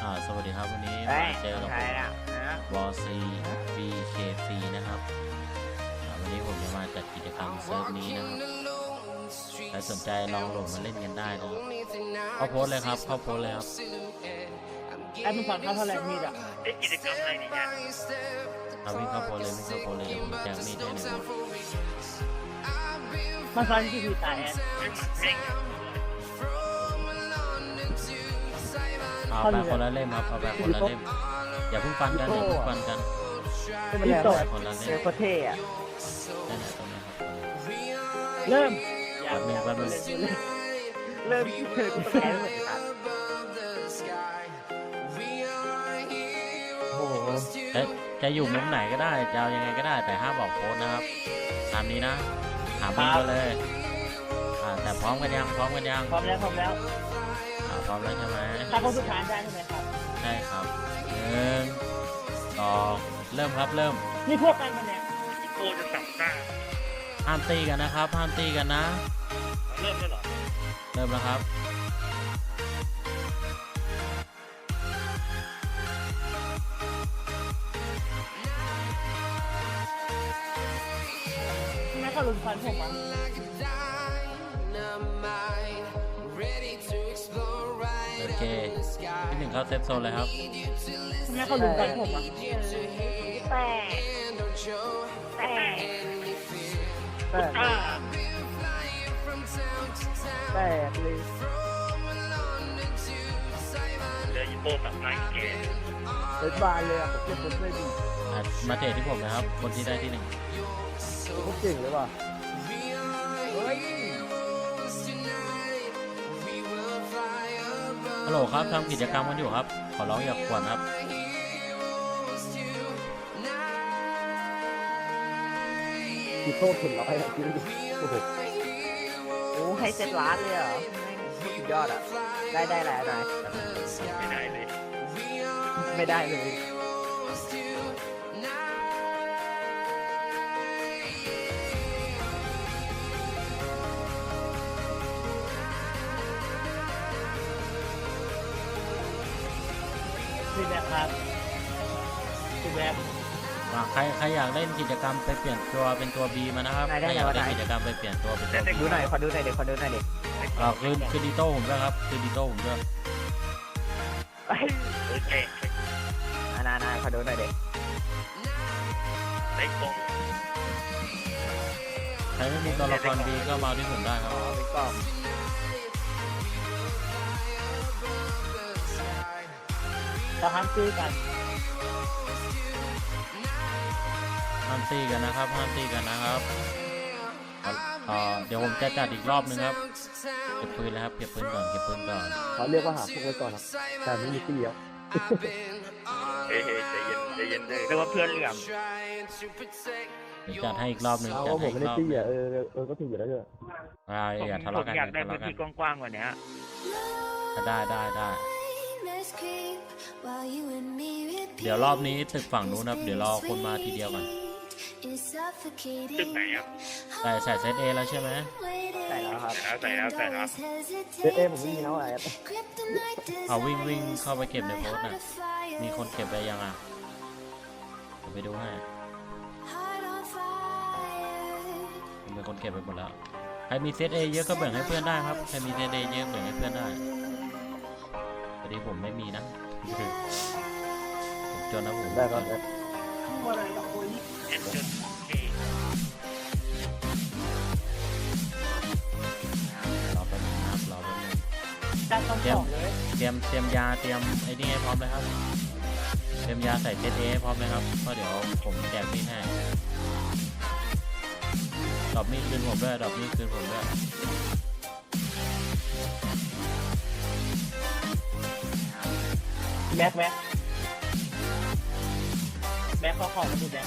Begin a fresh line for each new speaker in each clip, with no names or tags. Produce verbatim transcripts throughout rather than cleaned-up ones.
อ่าสวัสดีครับวันนี้
เฮ้
มาย เจอกับ
ใค
ผ
ร
ม
อ่ะนะ
วอซีบีเคซีนะครับอ่าวันนี้ผมจะมาจัดกิจกรรมเซิร์ฟนี้นะครับใครสนใจลองโหลดมาเล่นกันได้นะครับเข้าโพสเลยครับเข้าโพสเลยครับ
ไอ้มึงฟังเขาเท่าไหร่มีดอ่ะ
เล่นกิจกรรมอะไรนี่เนี่ย
เอาวิ่งเข้าโพสเลยวิ่งเข้าโพสเลยเดี๋ยวผมแจกมีดให้หนึ่ง
มันฟันที่คือตายแอน
เล่นหมัดเด้ง
เอาไปคนละเล่มครับเอาไปคนละเล่มอย่าเพิ่งฟันกันอย่าเพิ่งฟันกัน
ที่โต
คนละ
เซ
เล่
ล
ม
โคเท่อะ
นั่นแหละตรงนี้ครับ
เริ่ม
แป๊บนึงแป๊บนึง
เริ่มที่เธอกูแพ้ไม่เหมือนกันโอ้โห
จะจะอยู่มุมไหนก็ได้จะเอายังไงก็ได้แต่ห้ามบอกโพสนะครับตามนี้นะหามุมกันเลยอ่าแต่พร้อมกันยังพร้อมกันยัง
พร้อมแล้วพร้อมแล้ว
อ่าพร้อมแล้วใช่ไหม
ถ้าเขาสุดท้ายได้ใช่ไหมครับ
ใช่ครับหนึ่งสองเริ่มครับเริ่ม
นี่พวกกันมันเนี่ย
โตจะสับหน้า
ห้ามตีกันนะครับห้ามตีกันนะ
เริ่มแล้วเหรอ
เริ่มแล้วครับ
แม่เขาลุมฟันผมอ่ะ
โอเคที่หนึ่งเข้าเซฟโซนเลยครับ
แม่เขาลุมฟันผมอ่ะแต่แต่แต่
อ่า
แต่เลย
เรือยิโป้สับหน้าอีกแก
เป็นบานเลยอ่ะผมเก็บผมไม่ดี
อ่ะมาเทรดที่ผมนะครับคนที่ได้ที่หนึ่ง
เขาเก่งเลยว่ะเฮ้ย
ฮัลโหลครับทำกิจกรรมกันอยู่ครับขอร้องอย่าขวนครับ
พี่โต้ถึงร้อยอ่ะพี่ดูโอ้โหโอ้ให้เจ็ดล้านเลยเหรอสุดยอดอ่ะได้ได้แล้วนาย
ไม่ได้เลย
ไม่ได้เลย พี่แบกครับพี่แบก
อ่ะใครใครอยากเล่นกิจกรรมไปเปลี่ยนตัวเป็นตัว B มานะครับ
ไหนได้
ใครอยาก
ไหน
เล่น
ไหน
กิจกรรมไปเปลี่ยนตัวเป็นตัว B
ดูหน่อยขอดูหน่อยเด็กขอดูหน่อยเด็ก
อ่าคือคือดิโต้ผมด้วยครับคือดิโต้ผมด้วย
ไอ้
เออเตะ
อานานาขอดูหน่อยเด็ก
เตะตรง
ใครไม่มีตัวละคร B ก็มาเอาที่ผมได้ครับ
อ๋อเป็นกล่องเราห้ามซื้อกัน
ห้ามตีกันนะครับห้ามตีกันนะครับเอ่อเดี๋ยวผมจะจัดอีกรอบนึงครับเก็บปืนแล้วครับเก็บปืนก่อนเก็บปืนก่อน
เขาเรียกว่าหาพวกไว้ก่อนครับแต่ไม่มีที่เลี้ยว
เฮ้ยใจเย็นใจเย็นเลยเรียกว่าเพื่อนเหลื่อม
เดี๋ยวจัดให้อีกรอบนึง
เอา
จัด
ว่าผ
ให้
ม
อี
ไม่
กรอบ
ได้ตี้อ่ะเออเออก็ถูกอยู่แล้วด้วย
อ่า
ผม
อย่าทะ
ผ
เลาะ
ม
กัน
อยากได้
ทะ
พื้น
เลาะกัน
ที่กว้างๆกว่านี้
ได้ได้ได้เดี๋ยวรอบนี้ตึกฝั่งนู้นครับเดี๋ยวรอคนมาทีเดียวก่อน
ตึกไหนครับ
ใส่ใส่เซตเอแล้วใช่ไหม
ใส่แล้วครับ
ใส่แล้วใส่แล้ว
เอ๊ะเอ๊ะผมไม่มีน้องอะไร
เอาวิ่งวิ่งเข้าไปเก็บในโพสต์น่ะมีคนเก็บไปยังอ่ะเดี๋ยวไปดูให้ผมเป็นคนเก็บไปหมดแล้วใครมีเซตเอเยอะก็แบ่งให้เพื่อนได้ครับใครมีเซตเอเยอะแบ่งให้เพื่อนได้พอดีผมไม่มีนะผมจนนะผม
ได้ครับ
เอ็นจนเอ
รอแป๊บนึงนะครับรอแป๊บนึง
ได้ต้องสองเลย
เตรียมเตรียมยาเตรียมไอ้นี่ให้พร้อมเลยครับเตรียมยาใส่เซตเอให้พร้อมเลยครับเพราะเดี๋ยวผมแจกมีดให้ดอกมีดคืนผมด้วยดอกมีดคืนผมด้วย
แบ็คแบ็คแบ็คเขาของมาดูแบ็ค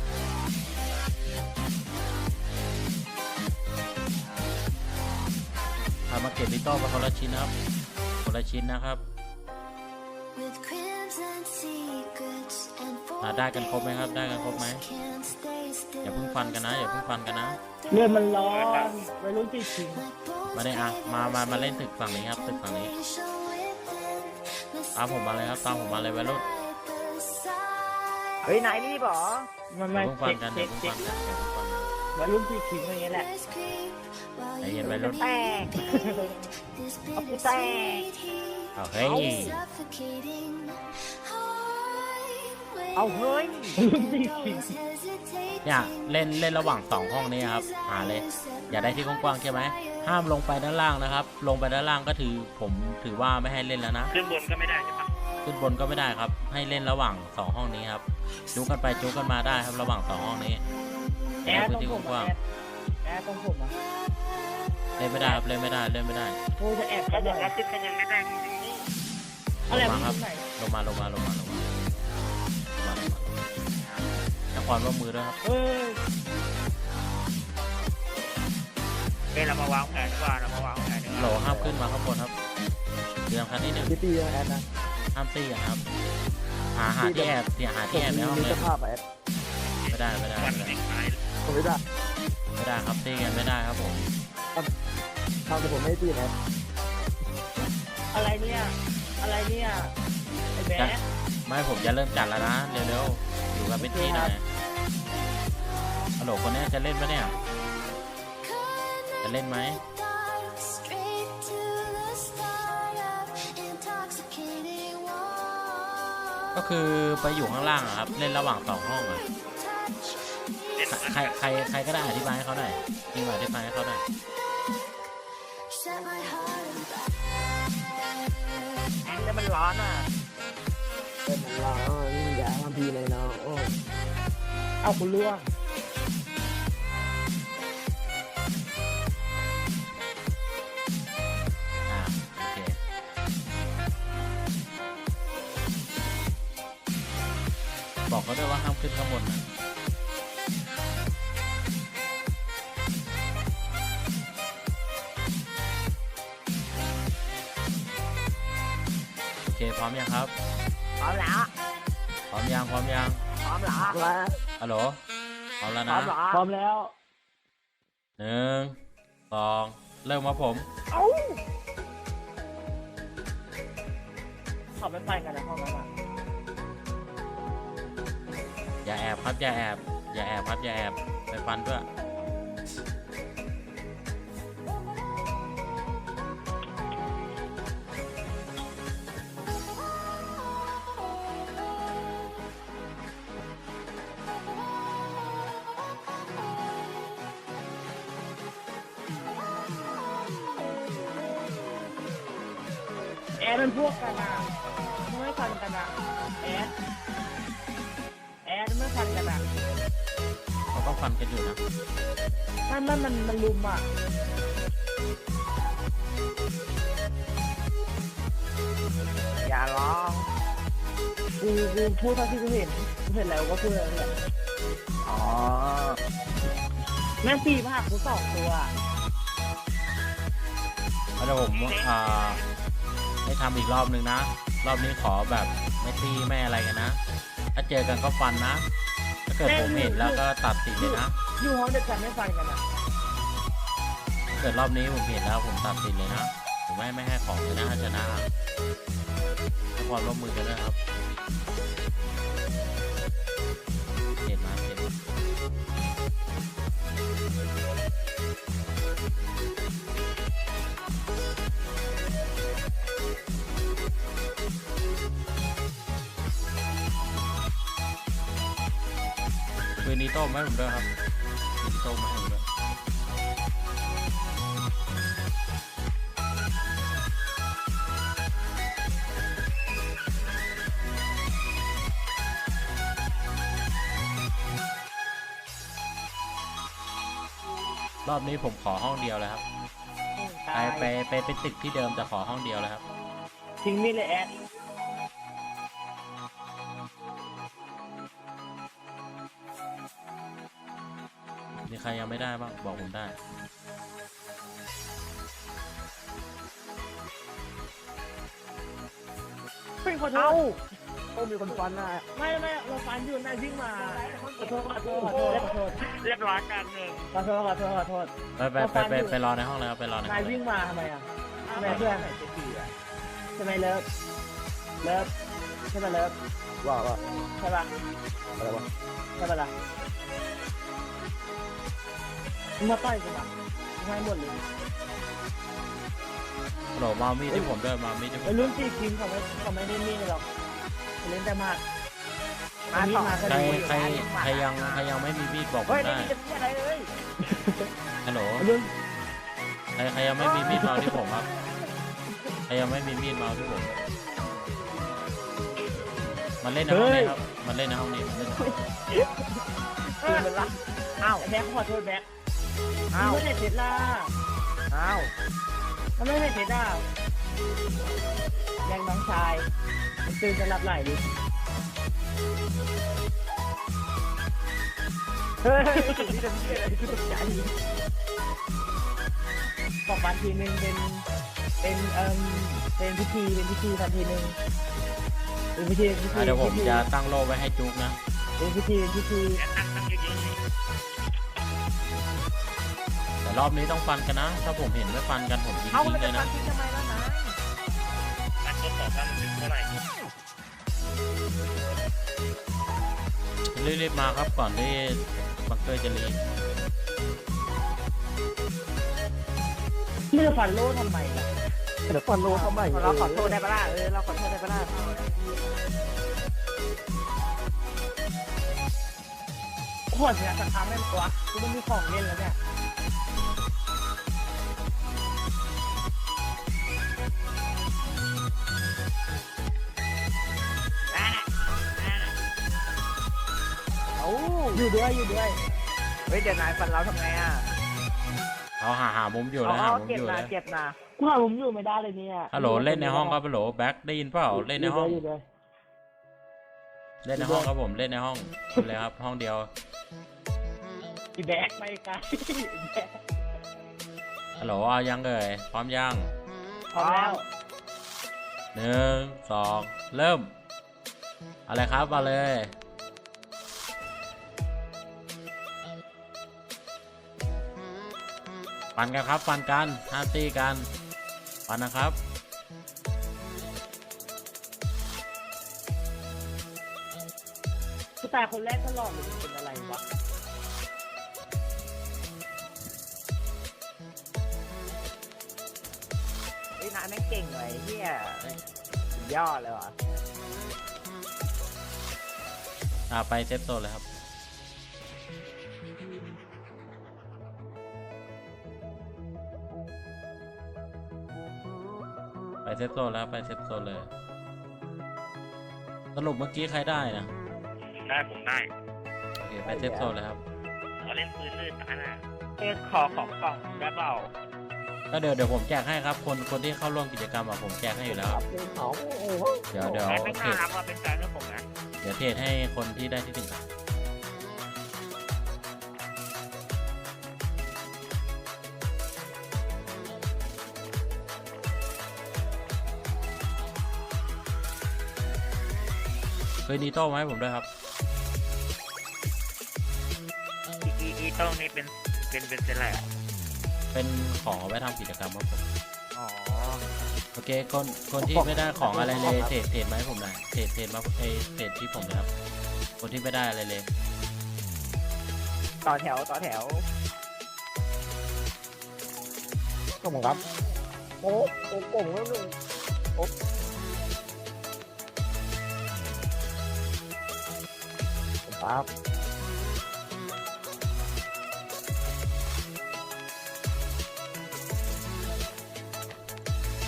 พามาเก็บดิโต้มาคนละชิ้นนะครับคนละชิ้นนะครับอ่าได้กันครบไหมครับได้กันครบไหมอย่าเพิ่งฟันกันนะอย่าเพิ่งฟันกันนะ
เลือดมันร้อนวัยรุ่นตีชิง
มาได้อ่ะมามามาเล่นตึกฝั่งนี้ครับตึกฝั่งนี้ตามผมมาเลยครับตามผมมาเลยวัยรุ่น
เฮ้ยนายรีบเหรอ
มัน
อ
ไม่
ย่าเพิ่งฟั
เช็
น
ค
กันอ
เช็
ย่า
ค
เพิ่ง
เช็
ฟั
คน
กันอย่าเพิ่งฟันกัน
วัยรุ่นที่คิงอย่างเงี้ยแหละ
ใจเย็นวัยรุ่น
แตกเอากูแตก
เอาเฮ้ย
เอาเฮ้ย
วัยรุ่นที่คิง
เนี่ยเล่นเล่นระหว่างสองห้องนี้ครับหาเลย อย่าได้ที่กว้างๆใช่ไหมห้ามลงไปด้านล่างนะครับ ลงไปด้านล่างก็ถือผมถือว่าไม่ให้เล่นแล้วนะ
ขึ้นบนก็ไม่ได้ใช่ปะ
ขึ้นบนก็ไม่ได้ครับ ให้เล่นระหว่างสองห้องนี้ครับจุกกันไปจุกกันมาได้ครับระหว่างสองห้องนี้
แอ
ให้
ร์ต
พื้
ร
น
ง
ที่
ผม
กว้าง
แอร์แอร์ตรงผมอ่ะ
ๆเล่นไม่ได้ครับเล่นไม่ได้เล่นไม่ได้
โอ้จะแอบ
เขา
ก็
บอก
ได้
ว่าขึ้นกันยังไม่ได้จริง
อะไร
ลง
มั
มาน ครับ
ไหน
ลงมาลงมาลงมาลงมาลงมาลงมาให้ความร่วมมือด้วยครับ
เออ
ๆเฮ้ยเรามาวางแผนดีกว่าเรามาวางแผนดีก
โหล
ว่า
ห้ามขึ้นมาข้างบนครับเรื่องคันที่หนึ่ง
พี่ตีนะแอดนะ
ห้ามตีกันครับ หาหาที่แอบเสียหา
ผ
ที่
ม
แอบในห้อง
มี
เล
ส
ย
ภาพอะแอด
ไม่ได้ไม่ได้
วัน
ไม่ได้
เด็กตาย
ผมไม่ได้
ไม่ได้ครับตีกันไม่ได้ครับผม
ทำแต่ผมไม่ได้ตีนะ
อะไรเนี่ยอะไรเนี่ยไอ้แบ๊ะ
ไม่ผมจะเริ่มจัดแล้วนะเร็วๆอยู่กันเป็นที่หน่อยฮัลโหลคนนี้จะเล่นปะเนี่ยจะเล่นไหมก็คือไปอยู่ข้างล่างอะครับเล่นระหว่างสองห้องอะ
เล่น
ใครใครใครก็ได้อธิบายให้เขาหน่อยจริงอธิบายให้เขาหน่อย
แล้วมันร้อนอ่ะ
เป็นเราอย่าทำพีเลยเนาะโอ้
เอาคุณล่วง
อ่าโอเคบอกเขาด้วยว่าห้ามขึ้นข้างบนนะโอเคพร้อมยังครับ
พร้อมแล้ว
พร้อมยังพร้อมยัง
พร้อมแล้ว
แล้ว
ฮัลโหลพร้อมแล้ว
พร้อ
นะ
มเหรอ
พร้อมแล้ว
หนึ่งสองเริ่มมาผม
เอ้า
เขาไม่ไปกันนะห้องนั้นอ่ะ
อย่าแอบครับอย่าแอบอย่าแอบครับอย่าแอบไปฟันด้วย
แอร์เป็นพวกกันอ่ะมันไม่ฟันกันอ่ะแอร์แอร์มันไม่ฟันกันอ่ะ
เขาก็ฟันกันอยู่นะ
มันมันมันมันลุมอ่ะ
อย่าร้อง
กูกูพูดเท่าที่กูเห็นกูเห็นแล้วก็พูดแล้วแหละ
อ๋อ
แม่งปีมาหากูสองตัว
แล้วเดี๋ยวผมอ่าให้ทำอีกรอบหนึ่งนะ รอบนี้ขอแบบไม่ตีไม่อะไรกันนะ ถ้าเจอกันก็ฟันนะ ถ้าเกิดผมเห็นแล้วก็ตัดสินเลยนะ
อยู่ห้องเดียวกันไม่ฟันกันอ่ะ
ถ้าเกิดรอบนี้ผมเห็นแล้วผมตัดสินเลยนะ ผมไม่ไม่ให้ของเลยนะถ้าชนะให้ความร่วมมือกันด้วยครับเห็นมาเห็นมาคืนนี้โต้มให้ผมด้วยครับคืนนี้โต้มมาให้ผมด้วย รอบนี้ผมขอห้องเดียวเลยครับ
ตา
ไป
ย
ไปไปเป็นตึกที่เดิมแต่ขอห้องเดียวเลยครับ
ทิ้งมีดเลยแอด
มีใครยังไม่ได้บ้างบอกผมได้
เป็นขอโท
เอ้า
ษ
โอ้มีคนฟันนะ
ไม่ไม่เราฟันอยู่นายวิ่งมาขอโทษขอโทษขอโทษขอโทษ
เรียบร้อยการหนึ่ง
ขอโทษขอโทษขอโทษ
ไปไปไปไปไปรอในห้องเลยครับไปรอในห้
นา
อย งเล
วิ่
ย
งมาทำไมอ่ะทำไมเพื่อนใช่ไหมเลิฟเลิฟใช่ป่ะเลิฟ
ว่าว่า
ใช่ป่ะ
อะไรวะ
ใช่ป่ะล่ะมึงมาต่อยกูนะมึงให้หมดเลย
ฮัลโหลมามีดที่ผมด้วยมามีดที่ผ
ไอ้
ม
รุ่นสี่ทีมเขาไม่เขาไม่ได้มีดหรอกเขาเล่นแต่มาก
มา
มี
ต่
ด
อ
มาก็
ใคร
ดี
ใครใครยังใครยังไม่มีมีดบอกผ
เฮ้
ม
ยไม่
ได้
มีจะมีอะไรเลย
ฮัลโหล
ไอ้รุ่น
ใครใครยังไม่มีมีดมาเอาที่ผมครับใครยังไม่มีมีดมาเอาที่ผมมันเล่นในห้องนี้ครับมันเล่นในห้องนี้มันเล่นในห้องนี้
คือมันละอ้าว
ไอ้แบ็คขอโทษแบ็ค
อ้าว
ไม่ได้เสร็จล่ะ
อ้าว
มันไม่ได้เสร็จล่ะยังน้องชายมันตื่นจะรับไหลดิ
เฮ้ยสิ่งที่จะมีอะไรคือตกใจ
สองวันทีหนึ่งเป็นเป็นเอ่มเป็นพิธีเป็นพิธีทันทีหนึ่งเป็นพิธีเป็นพิธี
อ่ะเดี๋ยวผม
พิธี
จะตั้งโล่ไว้ให้จุกนะ
เป็นพิธีเป็นพิธี
แต่รอบนี้ต้องฟันกันนะ ถ้าผมเห็นไม่ฟันกันผมยิง
เอา
ทิ้ง
แล้ว
เล
จะ
ย
ฟั
นะ
งทิ้งทำไมล่ะนาย
รีบๆมาครับก่อนที่บังเกอร์จะรี
เลือกฟันโล่ทำไมล่ะ
เดี๋ยวฟันโลเข้ามา
เราขอโทษได้ปะล่ะเออเราขอโทษได้ปะล่ะ
ขวดเนี่ยสักครั้งเล่นตัวกูไม่มีของเล่นแล้วเนี่ย
เอา
อยู่ด้วยอยู่ด้วย
เฮ้ยเดี๋ยวนายฟันเราทำไงอ่ะ
เขาหาหามุมอยู่
อ๋
นะหา
อ
มุม
เก็บ
อยู่
นะ
นะ
เก็บนะ
กูหาผมอยู่ไม่ได้เลยเนี่ย
ฮัลโหลเล่นในห้องครับฮัลโหลแบ็คได้ยินเปล่าเล่นในห้อง
อยู่ด้วย
เล่นในห้องครับผมเล่นในห้องเลยครับห้องเดียว
อีแบกไปไกลแบก
ฮัลโหลเอายังเอ่ยพร้อมยัง
พร้อมแล้ว
หนึ่งสองเริ่มอะไรครับมาเลยฟันกันครับฟันกันห้าตีกันฟันนะครับ
กูตายคนแรกตลอดเลยเป็นอะไรวะ
เฮ้ยนายแม่งเก่งเลยเฮียสุดยอดเลยว่ะ
อ่าไปเซฟโซนเลยครับไปเซฟโซนแล้วไปเซฟโซนเลยสรุปเมื่อกี้ใครได้นะ
ได้ผมได้
โอเคไปเซฟโซนเลยครับ
เขาเล่นปืนลื่นตาน่ะ
เอ้ยขอของกล่องได้เปล่า
ก็เดี๋ยวเดี๋ยวผมแจกให้ครับคนคนที่เข้าร่วมกิจกรรมอะผมแจกให้อยู่แล้วครับ
เอา
เดี๋ยวเดี๋ยว
แอดไม่
เท
น่าร รักว่าเป็นแฟนกับผมนะ
เดี๋ยวเทรดให้คนที่ได้ที่หนึ่งครับเคยนีโต้มาให้ผมด้วยครับ
อีอีอีโต้นี่เป็นเป็นเป็นเป็นอะไรอ่ะ
เป็นของเอาไว้ทำกิจกรรมครับผม
อ๋อ
โอเคคนคนที่ไม่ได้ของอะไรเลยเทรดเทรดมาให้ผมหน่อยเทรดเทรดมาเอยเทรดที่ผมนะครับคนที่ไม่ได้อะไรเลย
ต่อแถวต่อแถว
ก็ผมครับโอ้โอ้โก่งแล้วนึงโอ้ครับ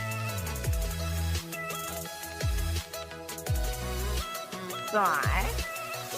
สวย